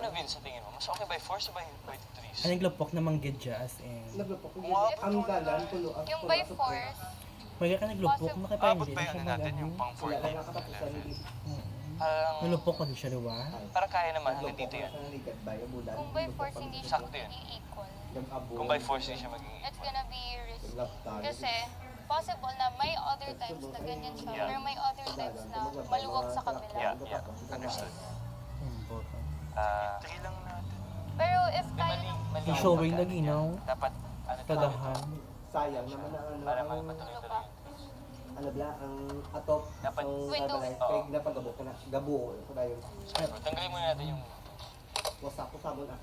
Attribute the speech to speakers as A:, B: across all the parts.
A: Vince, sa tingin mo? Mas okay by force o by threes?
B: Ang naglupok na manggidya as in.
C: Naglupok ko.
A: Wow.
C: Ang dalan, pulo at
D: Yung
C: pulo
D: by
C: at pulo.
D: force,
B: Pwede ka naglupok,
D: Possible.
B: nakita
A: Abot
B: hindi
A: ba
B: na
A: yung
B: siya
A: ano natin, yung
B: mag-ano.
A: pang 4
C: Wala
A: line?
C: lang katapusan ni
A: Parang,
B: Nalupok ko din siya, di ba?
A: parang kaya naman hanggang dito yan.
D: kung by force hindi siya
A: Sakto yun.
D: i-equal,
A: Kung by force hindi siya maging
D: it's
A: equal.
D: gonna be risky. Kasi, possible na may other times na ganyan siya,
A: Yeah.
D: pero may other times na maluwag sa kabila.
A: Yeah, understood.
B: Yung bottom.
A: Three lang natin.
D: Pero if
A: Mali,
D: tayo,
A: mali.
B: Yung showing na ginaw,
A: Dapat, ano
B: tadahan.
C: Sayang naman ang ano.
A: Para
C: ang-
A: matuloy-tuloy.
C: Ano bla, ang atop.
A: Dapat-
C: ang
D: Window.
C: sabalay.
A: Oo.
C: Kaya napagabo ka na. Gabo. Ito na yung
A: Tanggalin muna natin yung...
C: wasak ko sabon ah.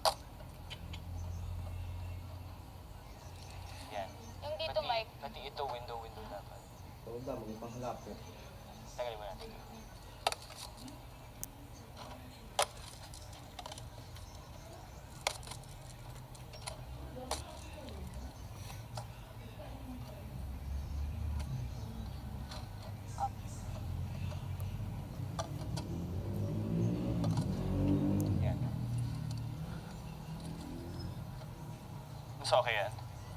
A: Yan.
D: yung dito, Mike,
A: Pati ito, window dapat.
C: Ito ba, mga panghalap ko.
A: Tanggalin muna natin. Yan. Mas okay yan.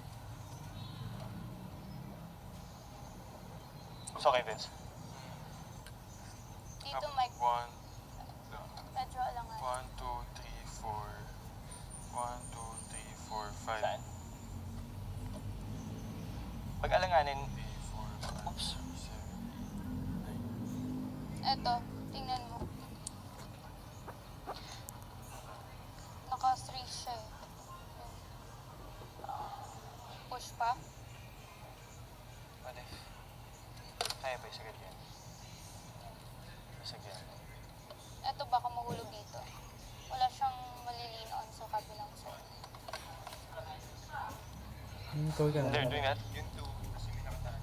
A: Mas okay, Vince.
D: dito, Mike,
E: One,
D: medyo alangan.
E: 1, 2, 3, 4. 1, 2, 3, 4, 5.
A: Saan? Pag-alanganin,
E: 3, 4, 5,
A: oops.
E: 6, 7, 8.
D: Eto, tingnan mo. Naka-3 siya eh. Push pa.
A: Pwede. Kaya ba, sagad yan. Sagad yan.
D: Eto baka mahulog dito. Wala siyang malilin on sa kabilang side.
B: Yung ikaw ka.
A: They're doing that?
E: Yun to, kasi may nakataan.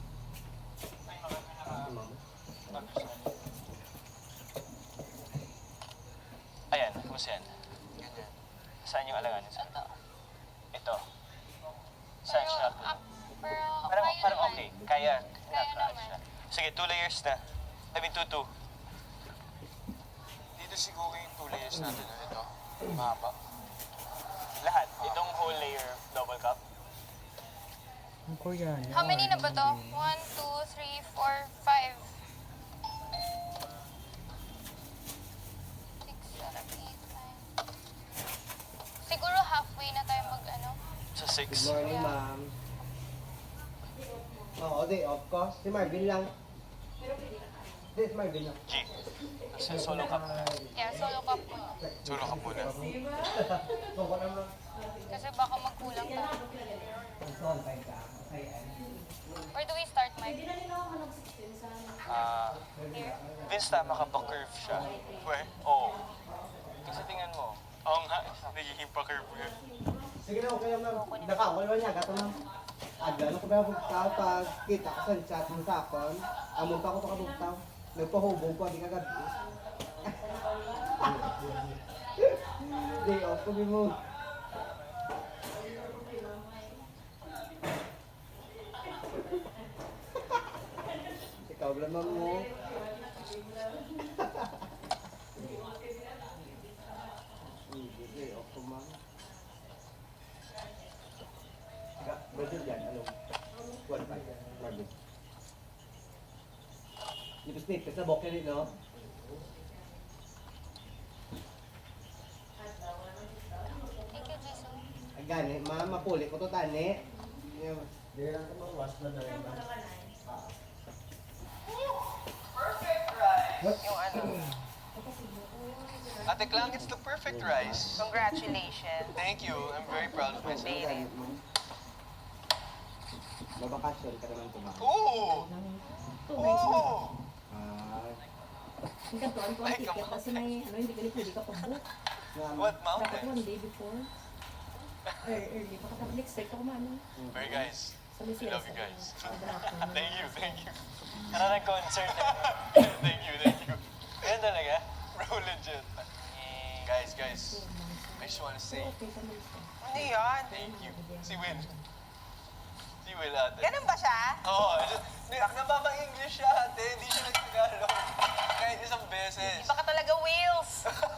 A: Ayan, kumusta yan?
E: Ganyan.
A: Saan yung alanganin?
D: Eto.
A: Ito. Saan siya?
D: Pero
A: Parang,
D: kaya
A: parang
D: naman.
A: okay. Kaya.
D: Kaya
A: Not
D: naman.
A: siya. Sige, 2 layers na. I mean, 2.
E: Dito siguro yung 2 layers natin. Ito, mahaba.
A: Lahat. Itong whole layer, double cup.
B: Ang Koreano.
D: How many na ba to? 1, 2, 3, 4, 5. 6, 7, 8, 9. Siguro halfway na tayo mag-ano.
A: Sa
C: Good
A: 6.
C: morning,
D: Yeah.
C: ma'am. Oo, of course. Si Marvin lang. This Marvin lang.
A: G. Kasi solo cup.
D: Yeah, solo cup ko.
E: Solo ka muna.
C: Baka naman.
D: Kasi baka magkulang pa.
C: Son, tayo ka.
D: Where do we start, Mike? Here?
A: Vince, tama ka ba curve siya?
E: Where?
A: Oo. Kasi tingnan mo.
E: Oo nga, nagiging pa-curve yun.
C: Sige na, okay lang ma'am. Nakawal ba niya? Gato ma'am. Agad ako ba bugtaw pag kita ko sa chat mo sa akon. Amon pa ako to kabugtaw. Nagpahubog ko, di ka gabi. Day off ko mo. Ikaw lang ma'am mo. Day off ko ma'am. Budget yan, ano? 1.5. Marvin. Nipis-nipis na bokeh rin, no?
D: Thank you, Jason.
C: Agani, mapuli ko to tani. Di lang ka mawas na rin.
A: Yung ano. Ate Klang, it's the perfect rice.
F: Congratulations.
A: Thank you. I'm very proud of myself.
F: Baby.
C: Mabakasyon ka naman to ba?
A: Ooh! Oh!
G: Ang kantuan ko ang
A: Ay,
G: ticket
A: come on.
G: kasi may ano, hindi ka pwede ka pag-book.
A: What
G: Dapat
A: mountain?
G: one day before. Or early pa kapag next week ako mano.
A: Very guys.
G: Sa Lucia.
A: I love you guys.
G: Thank
A: Thank you, thank you. Parang nag-concert. Thank you, thank you. Yan talaga? Bro, legit. Guys, I just wanna say
G: Okay sa Lucia.
F: Ano yun?
A: thank you. Si Will. Si Will ate.
F: Ganun ba siya?
A: Oo, nababang English siya ate, hindi siya nagtagalog. Kahit isang beses.
F: Baka talaga wheels.